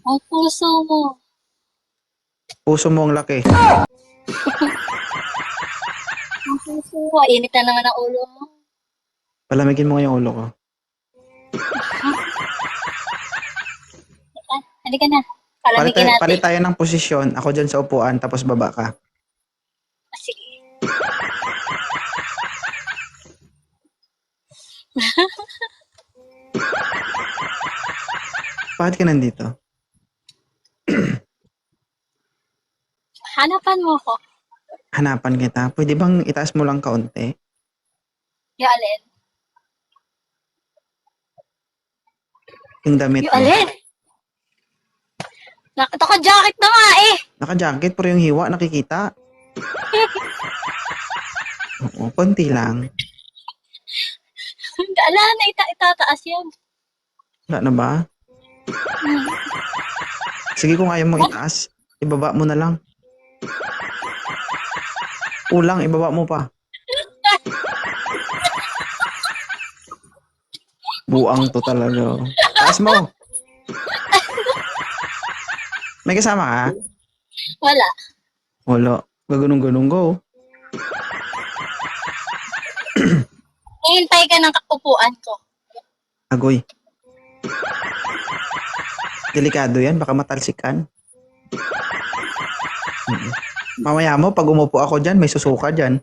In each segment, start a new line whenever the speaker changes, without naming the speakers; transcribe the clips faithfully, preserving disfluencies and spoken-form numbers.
Ang puso mo.
Puso mo ang laki.
Ang puso mo. Init na naman ang ulo mo.
Palamigin mo nga yung ulo ko.
Ah, halika na.
Palit
Palamigin
tayo,
natin.
palit tayo ng posisyon. Ako dyan sa upuan, tapos baba ka.
Ah, sige.
Bakit ka nandito?
Hanapan mo ko.
Hanapan kita. Pwede bang itaas mo lang kaunti?
Yung alin?
Yung damit
Yung
mo.
alin? Naka-jacket na nga eh.
Naka-jacket, pero yung hiwa nakikita. Oo, konti lang.
Ala na ita itataas yan.
Wala na ba?
Hmm.
Sige, kung ayaw mo itaas, ibaba mo na lang. Ulang, ibaba mo pa. Buang to talaga. Taas mo. May kasama ka?
Wala.
Wala. Gaganong-ganong go.
Hihintay ka ng upuan ko.
Agoy. Delikado yan, baka matalsikan. Mm. Mamaya mo, pag umupo ako dyan, may susuka dyan.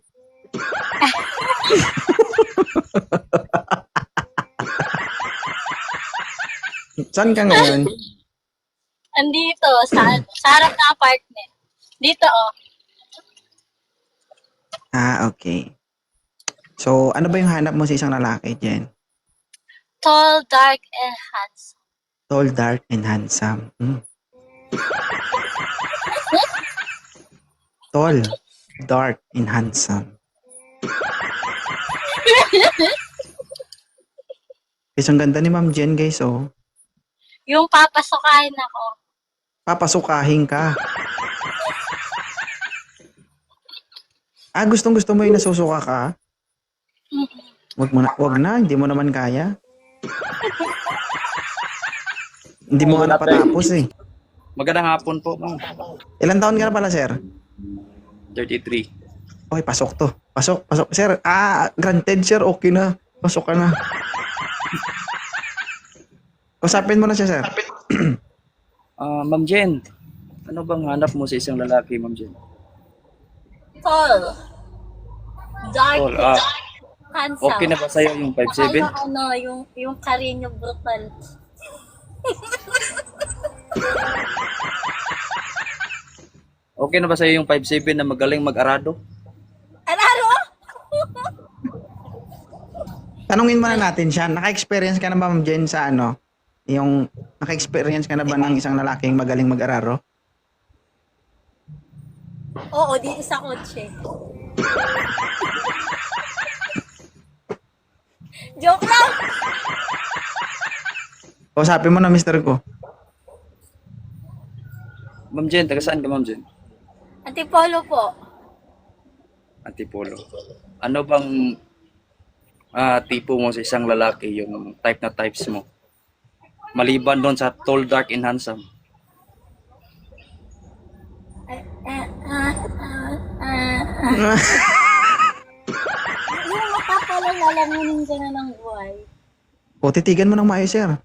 Saan ka ngayon?
Andito, sa, sa harap na apartment. Dito, oh.
Ah, okay. So, ano ba yung hanap mo sa isang lalaki, Jen?
Tall, dark, and handsome.
Tall, dark, and handsome. Mm. Tall, dark, and handsome. Guys, ang ganda ni Ma'am Jen, guys, oh.
Yung papasukahin ako.
Papasukahin ka. Ah, gustong gusto mo yung nasusuka ka? Wag mo na, wag na, hindi mo naman kaya. Hindi mo nga napatapos eh.
Magandang hapon po, ma'am.
Ilan taon ka na pala, sir?
thirty-three.
Okay, pasok to. Pasok, pasok. Sir, ah, granted, sir, okay na. Pasok ka na. Usapin mo na siya, sir.
Ah, Ma'am Jen, ano bang hanap mo sa isang lalaki, Ma'am Jen?
Tall. Dark,
Tall, ah.
handsome.
Okay na ba sa'yo yung five seven?
Saka yung ano, yung, yung Carino brutal.
Okay na ba sa'yo yung five seven na magaling mag-arado?
Ano?
Tanungin muna natin siya. Naka-experience ka na ba, Ma'am Jen, sa ano? Yung, naka-experience ka na ba ng isang lalaking magaling mag-araro?
Oo, di sa kotse. Joke lang!
Usapin mo na, mister ko.
Ma'am Jen, taga saan ka, Ma'am Jen?
Antipolo po.
Antipolo. Ano bang ah, tipo mo sa isang lalaki, yung type na types mo? Maliban doon sa tall, dark, and handsome.
Ah, ah, ah, ah, ah. Yung mata pala lalamunin ka na ng buhay.
O, titigan mo ng maayos, sir.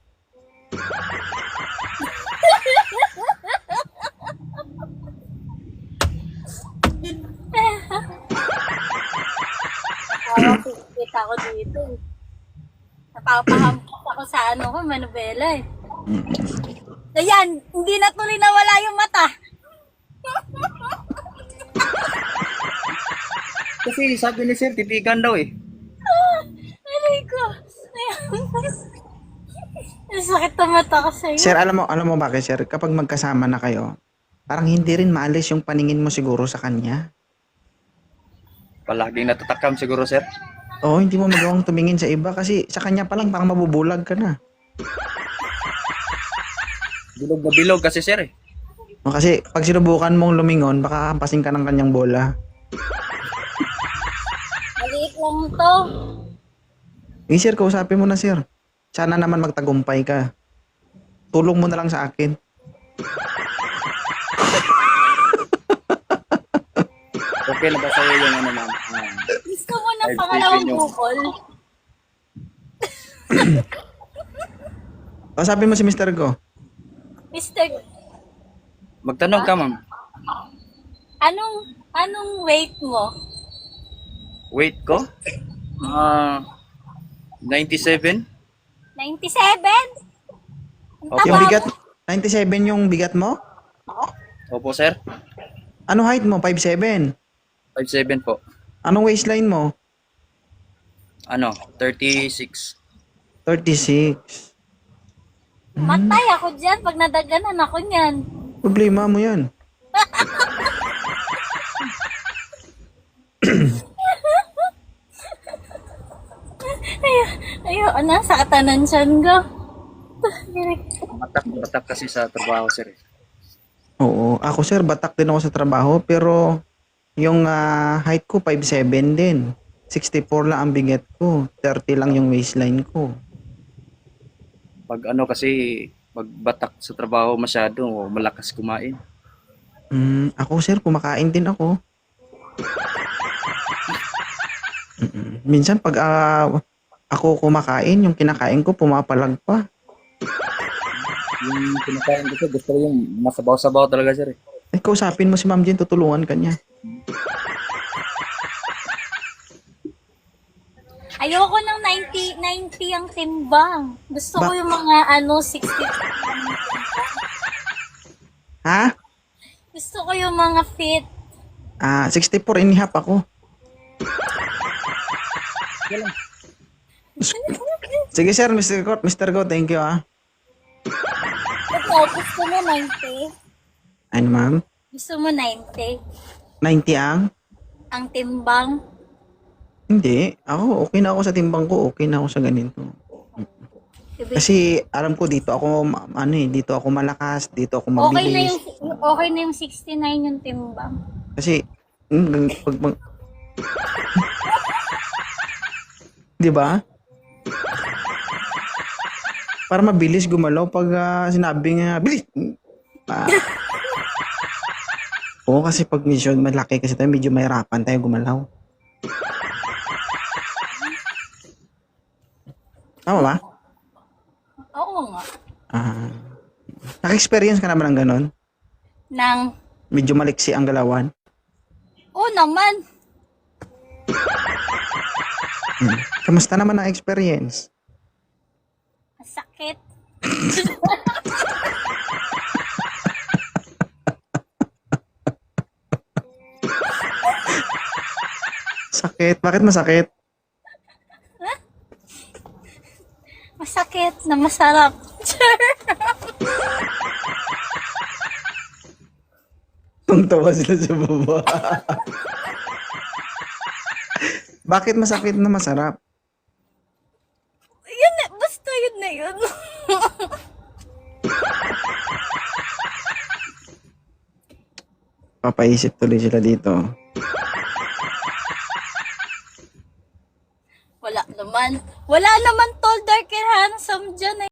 Nakakakita ako dito. eh. Napapahampas ako sa ano ko, manubela eh. Ayan, hindi na tuloy nawala yung mata.
Kasi sabi ni Sir, titigan daw eh.
Aray ko. Ang sakit na mata ko sa'yo.
Sir, alam mo, alam mo bakit, sir? Kapag magkasama na kayo, parang hindi rin maalis yung paningin mo siguro sa kanya.
Palaging natatakam siguro, Sir.
Oo, hindi mo magawang tumingin sa iba kasi sa kanya pa lang parang mabubulag ka na.
Bilog na bilog kasi, Sir eh.
O, kasi pag sinubukan mong lumingon, baka hampasin ka ng kanyang bola.
Maliit lang to.
Eh, sir, kausapin mo na, sir. Sana naman magtagumpay ka. Tulong mo na lang sa akin.
Okay na ba sa'yo yung ano ma'am? Ah,
Gusto mo na
Five
pangalawang
seven yung-
bukol?
Kausapin mo si mister ko.
Mister,
magtanong ka ma'am.
anong, anong weight mo?
Weight ko? Ah, ninety-seven?
ninety-seven? Ang
Okay.
Yung
taba
bigat,
mo.
ninety-seven yung bigat mo?
Opo sir.
Ano height mo? five seven.
five seven po.
Anong waistline mo?
Ano? thirty-six.
thirty-six.
Matay ako dyan pag nadaganan ako niyan.
Problema mo yan.
Ayun, ano, sa katanan siyan ko.
Batak, batak kasi sa trabaho sir. eh.
Oo. Ako sir, batak din ako sa trabaho. Pero yung ah, height ko, five seven din. sixty-four lang ang bigat ko. thirty lang yung waistline ko.
Pag ano kasi, pag batak sa trabaho masyado, malakas kumain.
Mm, ako sir, kumakain din ako. Mm-mm. Minsan pag ah, ako kumakain, yung kinakain ko pumapalag pa.
Yung kinakain ko sir, gusto ko yung masabaw-sabaw talaga sir. eh.
Eh, kausapin mo si Ma'am Jen, tutulungan ka niya.
Ayoko ng ninety, ninety ang timbang. Gusto ko
Ba-
yung mga ano, sixty.
Ha?
Gusto ko yung mga fit.
Ah, sixty-four and a half ako. Sige sir, mister Go, mister Go, thank you ah.
Ito, gusto mo ninety?
Ano ma'am?
Gusto mo ninety?
ninety ang?
Ang timbang?
Hindi. Ako, okay na ako sa timbang ko. Okay na ako sa ganito.
Ibig-
Kasi alam ko dito ako, ma- ano eh, dito ako malakas, dito ako
Okay na
mabilis.
yung, okay na yung sixty-nine yung timbang.
Kasi, mm, pag, pag, di ba? Para mabilis gumalaw pag ah, sinabi nga, bilis! Ah. Oo, kasi pag medyo malaki kasi tayo, medyo mahirapan tayo gumalaw. Tama ba?
Oo nga.
Ah. Naka-experience ka naman ng ganon?
Nang,
Medyo maliksi ang galawan?
oo naman.
Hmm. Kamusta naman ang experience?
Masakit.
Sakit. Bakit masakit?
Masakit na masarap.
Tungtawa sila sa baba. Bakit masakit na masarap?
Yun na, basta yun na yun.
Papaisip tuloy sila dito.
Wala naman. Wala naman tall, dark, and handsome dyan eh.